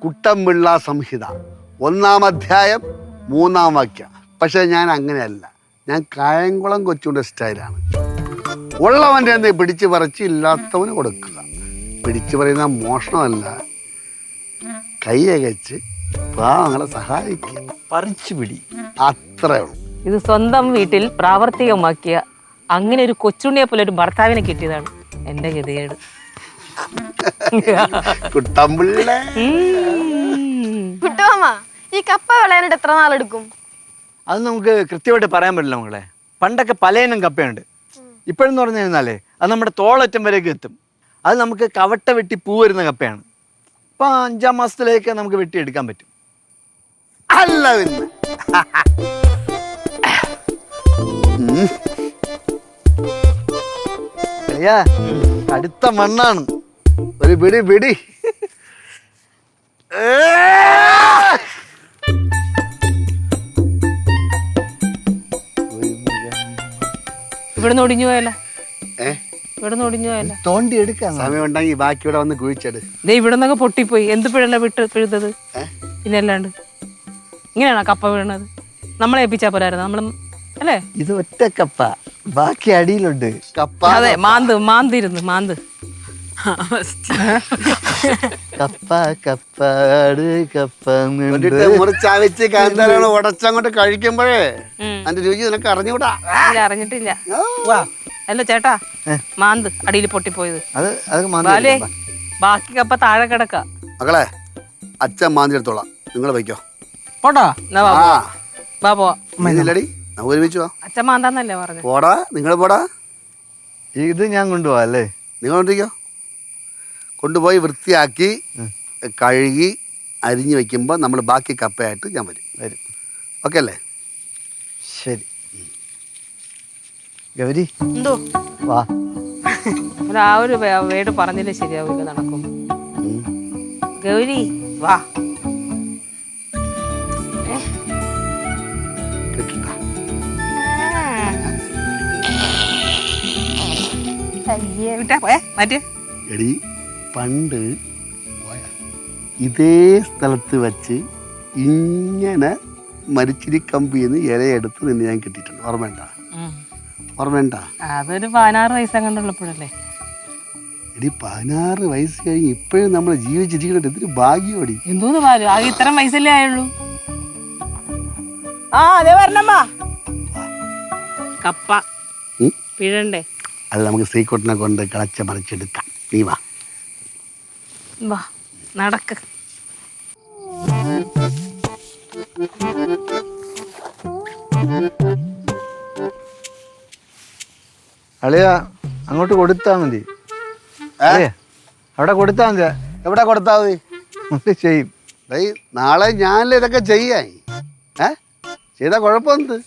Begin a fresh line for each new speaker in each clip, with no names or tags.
കുട്ടമ്പിള്ള സംഹിത 1-ാം അധ്യായം 3-ാം വാക്യം. പക്ഷെ ഞാൻ അങ്ങനെയല്ല, ഞാൻ കായംകുളം കൊച്ചുകൊണ്ട് സ്റ്റൈലാണ്. ഉള്ളവൻ്റെ എന്ത് പിടിച്ചു പറിച്ച് ഇല്ലാത്തവന് കൊടുക്കുക. പിടിച്ചു പറയുന്ന മോഷണമല്ല, കൈയകച്ച് പാവങ്ങളെ സഹായിക്കുക.
പറിച്ചു പിടി,
അത്രേ ഉള്ളൂ.
ഇത് സ്വന്തം വീട്ടിൽ പ്രാവർത്തികമാക്കിയ അങ്ങനെ ഒരു കൊച്ചുണ്ണിയെ പോലെ ഒരു ഭർത്താവിനെ കിട്ടിയതാണ് എന്റെ ഗതികേട്.
കുട്ടമ്പിള്ള
കുട്ടുമാമ, ഈ കപ്പ വിളയാനായിട്ട് എത്ര നാളെടുക്കും?
അത് നമുക്ക് കൃത്യമായിട്ട് പറയാൻ പറ്റില്ല മകളെ. പണ്ടൊക്കെ പലയിനം കപ്പയുണ്ട്. ഇപ്പോഴെന്ന് പറഞ്ഞു കഴിഞ്ഞാലേ അത് നമ്മുടെ തോളറ്റം വരെയൊക്കെ എത്തും. അത് നമുക്ക് കവട്ട വെട്ടി പൂ വരുന്ന കപ്പയാണ്. ഇപ്പം 5-ാം മാസത്തിലേക്ക് നമുക്ക് വെട്ടിയെടുക്കാൻ പറ്റും.
അല്ല പിന്നെ
അയ്യാ,
അടുത്ത മണ്ണാണ്. ഒരു പിടി പിടി.
ഇവിടുന്ന് ഒടിഞ്ഞു പോയല്ല,
ഏ
ഇവിടുന്ന് ഒടിഞ്ഞു പോയല്ല.
തോണ്ടി എടുക്കാൻ
സമയം ഉണ്ടെങ്കിൽ ബാക്കി ഇവിടെ വന്ന് കുഴിച്ചെടു.
ദേ ഇവിടെ നിന്നൊക്കെ പൊട്ടിപ്പോയി. എന്ത് പിഴല്ല പിഴുതത്? പിന്നെ അല്ലാണ്ട് ഇങ്ങനെയാണോ കപ്പ വീണത്? നമ്മളെ ഏൽപ്പിച്ചാ പോരായിരുന്നു നമ്മൾ, അല്ലേ?
ഇത് ഒറ്റ കപ്പ, ബാക്കി അടിയിലുണ്ട്.
കപ്പ
അതെ, മാന്തിരുന്നു മാന്ത്.
കപ്പ കപ്പാട് കപ്പ
മുറിച്ചാവിച്ച് കാന്താരാണ് ഉടച്ചങ്ങോട്ട് കഴിക്കുമ്പോഴേ അതിന്റെ രുചി നിനക്ക് അറിഞ്ഞൂടാ.
ഇല്ല, അറിഞ്ഞിട്ടില്ല. അല്ല ചേട്ടാ, മാന്ത് അടിയിൽ പൊട്ടിപ്പോയത്.
അത്
ബാക്കി കപ്പ താഴെ കിടക്ക.
മക്കളെ, അച്ഛൻ മാന്തിയെടുത്തോളാം, നിങ്ങൾ വയ്ക്കോ.
പോട്ടാ.
എന്നാ വാ പോവാ.
ഇല്ലടി, നമുക്ക് ഒരുമിച്ച് പോവാം.
അച്ഛൻ മാന്താന്നല്ലേ പറഞ്ഞു?
പോടാ, നിങ്ങൾ പോടാ.
ഇത് ഞാൻ കൊണ്ടുപോവാ അല്ലേ?
നിങ്ങൾ കൊണ്ടിരിക്കോ. കൊണ്ടുപോയി വൃത്തിയാക്കി കഴുകി അരിഞ്ഞു വെക്കുമ്പോൾ നമ്മൾ ബാക്കി കപ്പയായിട്ട് ഞാൻ വരും. ഓക്കെ അല്ലേ?
ശരി. ഗൗരി,
എന്തോ
വാ.
ആ ഒരു വേട് പറഞ്ഞില്ലേ ശരിയാവില്ല, നടക്കും. ഗൗരി വാ.
എടി, പണ്ട് ഇതേ സ്ഥലത്ത് വെച്ച് ഇങ്ങനെ മരിച്ചിരി കമ്പിന്ന് ഇലയെടുത്ത് നിന്നെ ഞാൻ കിട്ടിയിട്ടുണ്ട്. ഓർമ്മയുണ്ട?
അതൊരു 16 വയസ്സങ്ങണ്ടുള്ളപ്പോഴല്ലേ.
എടി, 16 വയസ്സ് കഴിഞ്ഞ് ഇപ്പോഴും നമ്മൾ ജീവിച്ചിരിക്കുന്നത് എന്തൊരു ഭാഗ്യമടി.
എന്തോന്ന് പാലും, ആകെ ഇത്രയും വയസ്സല്ലേ ആയുള്ളൂ. ആ അതെ പറഞ്ഞമ്മാ, കപ്പ പിഴണ്ടേ?
അത് നമുക്ക് ശ്രീകുട്ടനെ കൊണ്ട് കളച്ച മറിച്ചെടുക്കാം. നീ വാ
വാ, നടക്ക്.
അളിയ, അങ്ങോട്ട് കൊടുത്താ മതി. അവിടെ കൊടുത്താ മതി.
എവിടെ കൊടുത്താൽ മതി?
ചെയ്യും.
നാളെ ഞാനല്ലേ ഇതൊക്കെ ചെയ്യാൻ. ചെയ്താ കുഴപ്പമെന്ത്?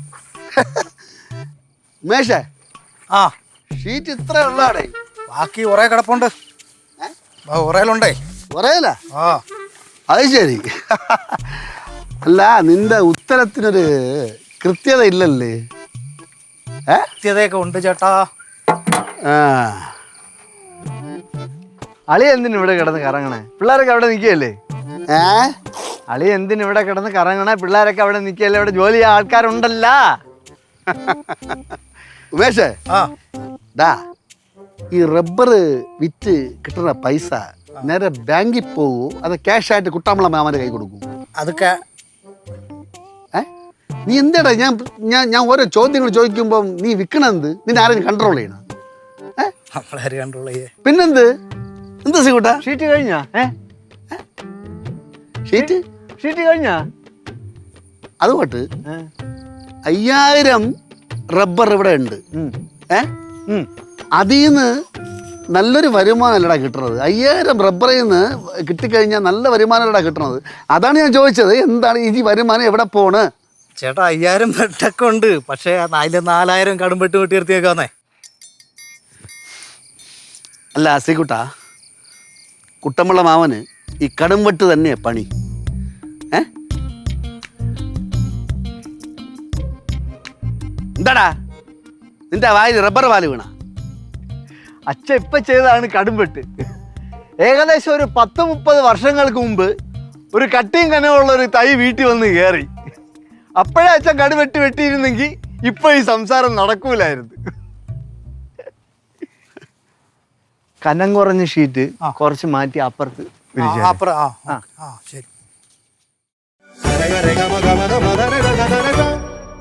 ഉമേഷേ, ഷീറ്റ് ഇത്ര ഉള്ളാടേ?
ബാക്കി കുറേ കിടപ്പുണ്ട്. ഉറയിലുണ്ടേ.
ഉറയില? അത് ശരി. അല്ല, നിന്റെ ഉത്തരത്തിനൊരു കൃത്യത ഇല്ലല്ലേ?
കൃത്യതയൊക്കെ ഉണ്ട് ചേട്ടാ.
അളി എന്തിനു ഇവിടെ കിടന്ന് കറങ്ങണേ? പിള്ളേരൊക്കെ അവിടെ നിൽക്കുകയല്ലേ? അളി എന്തിനു ഇവിടെ കിടന്ന് കറങ്ങണേ? പിള്ളേരൊക്കെ അവിടെ നിൽക്കുകയല്ലേ? ഇവിടെ ജോലി ചെയ്യാൻ ആൾക്കാരുണ്ടല്ല.
ഉമേഷേ, ഈ റബ്ബർ വിറ്റ് കിട്ടുന്ന പൈസ നേരെ ബാങ്കിൽ പോകൂ, അത് ക്യാഷ് ആയിട്ട് കുട്ടാമ്പള മാമന്റെ കൈ കൊടുക്കൂ?
അതൊക്കെ
നീ എന്താടാ ഞാൻ ഓരോ ചോദ്യങ്ങൾ ചോദിക്കുമ്പോ നീ വിൽക്കണെന്ത്? നിന്നെ ആരെയും കൺട്രോൾ ചെയ്യണം?
കൺട്രോൾ ചെയ്യേ.
പിന്നെന്ത്? എന്താ സീകൂട്ടാ?
ഷീറ്റ് കഴിഞ്ഞാ? ഷീറ്റ് കഴിഞ്ഞാ?
അതുകൊണ്ട് 5000 റബ്ബർ ഇവിടെ ഉണ്ട്. അതിന്ന് നല്ലൊരു വരുമാനമല്ലടാ കിട്ടുന്നത്. 5000 റബ്ബറിൽ നിന്ന് കിട്ടിക്കഴിഞ്ഞാൽ നല്ല വരുമാനമല്ലടാ കിട്ടുന്നത്. അതാണ് ഞാൻ ചോദിച്ചത്, എന്താണ് ഈ വരുമാനം എവിടെ പോണ്?
ചേട്ടാ, 5000 വെട്ടൊക്കെ ഉണ്ട്. പക്ഷേ 4000 കടുംപെട്ട് വെട്ടിയെടുത്തേക്കാന്നേ.
അല്ല ശ്രീകുട്ടാ, കുട്ടമ്പള മാമന് ഈ കടുംവെട്ട് തന്നെയാ പണി. എന്താടാ നിന്റെ വായിൽ റബ്ബർ പാല് വീണ?
അച്ഛൻ ഇപ്പം ചെയ്തതാണ് കടുംവെട്ട്. ഏകദേശം ഒരു 10-30 വർഷങ്ങൾക്ക് മുമ്പ് ഒരു കട്ടിയും കനമുള്ള ഒരു തൈ വീട്ടിൽ വന്ന് കയറി. അപ്പോഴേ അച്ഛൻ കടി വെട്ടിയിരുന്നെങ്കിൽ ഇപ്പൊ ഈ സംസാരം നടക്കൂലായിരുന്നു. കനം കുറഞ്ഞ ഷീറ്റ് കുറച്ച് മാറ്റി അപ്പുറത്ത് വിരിച്ചാൽ.
അപ്പുറം. ശരി.